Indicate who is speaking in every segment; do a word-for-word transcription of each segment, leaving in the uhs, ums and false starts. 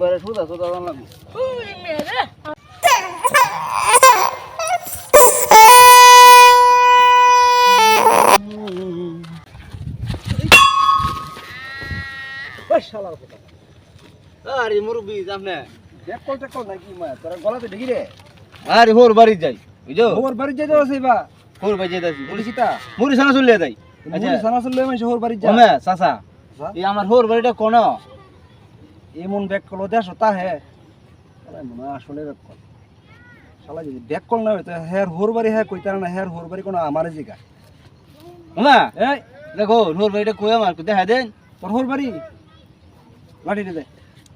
Speaker 1: একবারে সোজা সোজা জান লাগবে।
Speaker 2: ওই মেরে
Speaker 1: ওই শালার কথা। আরে মুরব্বি জামনে দেখ কল টেক কল নাকি মা তোর গলাতে ঢেকি রে। আরে হোর বাড়ি যাই বুঝছো? হোর বাড়ি যাইতে আছে বা হোর বাড়ি যাইতাছি বলিছিতা মুড়ি সানা চলে যাই। আচ্ছা মুড়ি সানা চলে মানে হোর বাড়ি যা ওমে চাচা এই আমার হোর বাড়িটা কোন এমন ব্যাক কল দেশ তা হে আরে মনে আসলে ব্যাক কল শালা যদি ব্যাক কল না হইতো হের হোর বাড়ি হে কইতার না হের হোর বাড়ি কোন আমারে জিগা ওমে এই দেখো হোর বাড়িটা কই আমার দেখা দেন তোর হোর বাড়ি লাঠি দে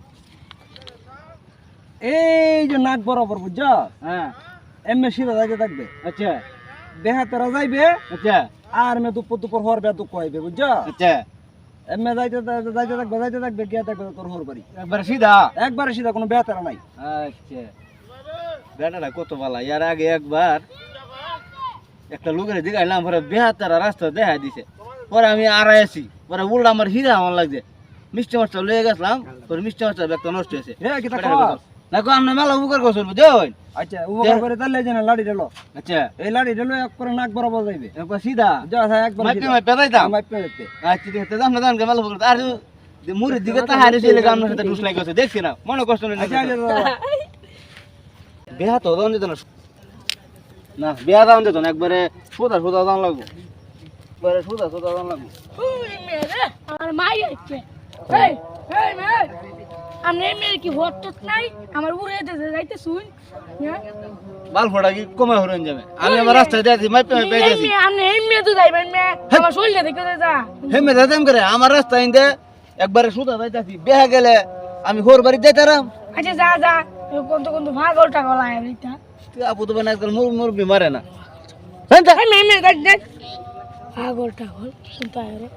Speaker 1: এই যে নাক বরাবর বুঝছ হ্যাঁ এমএ সিধা যাইতে থাকবে আচ্ছা দেহা তারা যাইবে আচ্ছা আর মে দুপুর দুপুর হর বে দুঃখ হইবে বুঝছ আচ্ছা এমএ যাইতে যাইতে থাকবে যাইতে থাকবে গিয়া থাকবে তোর হর বাড়ি একবার সিধা একবার সিধা কোনো বেতারা নাই আচ্ছা বেটাটা কত ভালো ইয়ার আগে একবার একটা লোকের জিগাইলাম পরে বেহাতারা রাস্তা দেখা দিছে পরে আমি আড়াই আছি পরে উল্টা আমার হিরা আমার লাগছে মিষ্টি মাছটা লয়ে গেছিলাম তোর মিষ্টি মাছটা ব্যাগটা নষ্ট হয়েছে না কো আমরা মেলা উপকার করছো বুঝছেন আচ্ছা উপকার করে তাহলে যে না লাড়ি ঢেলো আচ্ছা এই লাড়ি ঢেলো এক করে নাক বরাবর যাইবে একবার সিধা যা একবার মাইপে মাইপে যাইতাম মাইপে যাইতে আচ্ছা ঠিক আছে দাম না দাম মেলা উপকার আর মুড়ির দিকে তাহারে ছিলে গামনার সাথে ঢুস লাগছে দেখছি না মনে কষ্ট নেই বিয়া তো দাম দিত না না বিয়া দাম দিত না একবারে সোজা সোজা দাম লাগবে একবারে সোজা সোজা দাম লাগবে
Speaker 2: ওই মেরে আমার মাই আছে এই এই মেরে আমনে মেরে কি হটট নাই আমার উড়ে যেতে যাইতে শুন
Speaker 1: বাল ফোড়া কি কমে হরন যাবে আমি আমার রাস্তায় যাইছি মাইপে মাইপে যাইছি
Speaker 2: এই আমনে এই মেয়ে তো যাইবেন মে আমার শরীরে দেখে যা
Speaker 1: হে মে যাইতাম করে আমার রাস্তায় ইন্দে একবারে সোজা যাইতাছি বেহা গেলে আমি হোর বাড়ি যাইতারাম
Speaker 2: আচ্ছা যা যা কোন তো কোন তো ভাগল টাগল আয় এইটা
Speaker 1: তুই আপু তো বানা আজকাল মুর মুর বিমারে না
Speaker 2: এই মে মে দেখ দেখ ভাগল টাগল শুনতা রে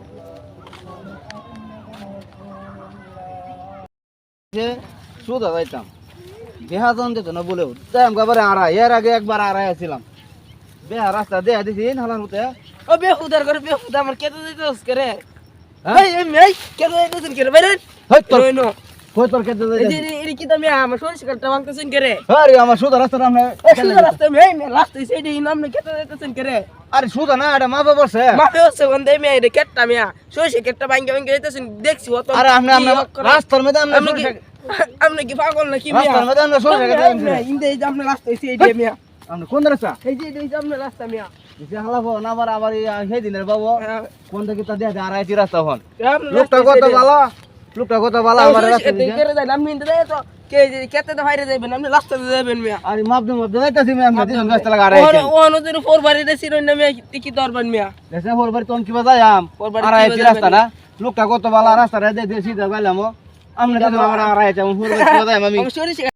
Speaker 1: যে সোজা যাইতাম বেহা জন যেত না বলেও যাইম গাবারে আড়াই এর আগে একবার আড়াই আসছিলাম বেহা রাস্তা দেয়া দিছি হালার মতে
Speaker 3: ও বেহুদার করে বেহুদা আমার কেটে দিতেছ করে এই এই মেই কেটে দিতেছ করে বাইরে
Speaker 1: হই তোর
Speaker 3: নয় নয়
Speaker 1: কই তোর কেটে
Speaker 3: এই
Speaker 1: যাই
Speaker 3: যে এই কি তুমি আমার সরিষা কাটতে বাংতেছেন করে
Speaker 1: আরে আমার সোজা রাস্তা নামে
Speaker 3: এই সুন্দর রাস্তা মেই মে রাস্তা সেইডি নামনে কেটে দিতেছেন করে
Speaker 1: আরে সোজা না এটা মা বাবা বসে
Speaker 3: মাফে হচ্ছে বন্ধে মেই রে কেটটা মিয়া সরিষা কেটটা বাঙ্গে বাঙ্গে দিতেছেন দেখছি অত
Speaker 1: আরে আপনি আপনি রাস্তার মধ্যে আপনি
Speaker 3: আপনি কি আপনি কি পাগল নাকি মিয়া
Speaker 1: রাস্তার মধ্যে আপনি সোজা কেটে
Speaker 3: ইন্দে এই যে আপনি রাস্তা সেইডি মিয়া
Speaker 1: আপনি কোন রাস্তা
Speaker 3: এই যে এই যে আপনি রাস্তা মিয়া
Speaker 1: যে হালাবো না আবার আবার সেই দিনের বাবু কোন থেকে তা দেয়া আড়াইটি রাস্তা হন
Speaker 3: আপনি
Speaker 1: লোকটা কত ভালো লোকটা কত ভালো আমার রাস্তা দিকে
Speaker 3: করে যাই আমি ইন্দে তো কে যে কেটে তো বাইরে যাবেন আপনি রাস্তাতে যাবেন মিয়া
Speaker 1: আরে মাপ দে মাপ দে যাইতাছি আমি আপনি দিন রাস্তা লাগা আড়াইটি
Speaker 3: ও অনুদের ফোর বাড়ি রে সিরন না মিয়া কি দরবান মিয়া
Speaker 1: দেশে ফোর বাড়ি তোন কিবা যাইম আড়াইটি রাস্তা না লোকটা কত ভালো রাস্তা রে দে দে সিধা গেলাম আমনে তো আমার আড়াইটি ফোর বাড়ি কিবা যাইম আমি
Speaker 3: আমি সরিষা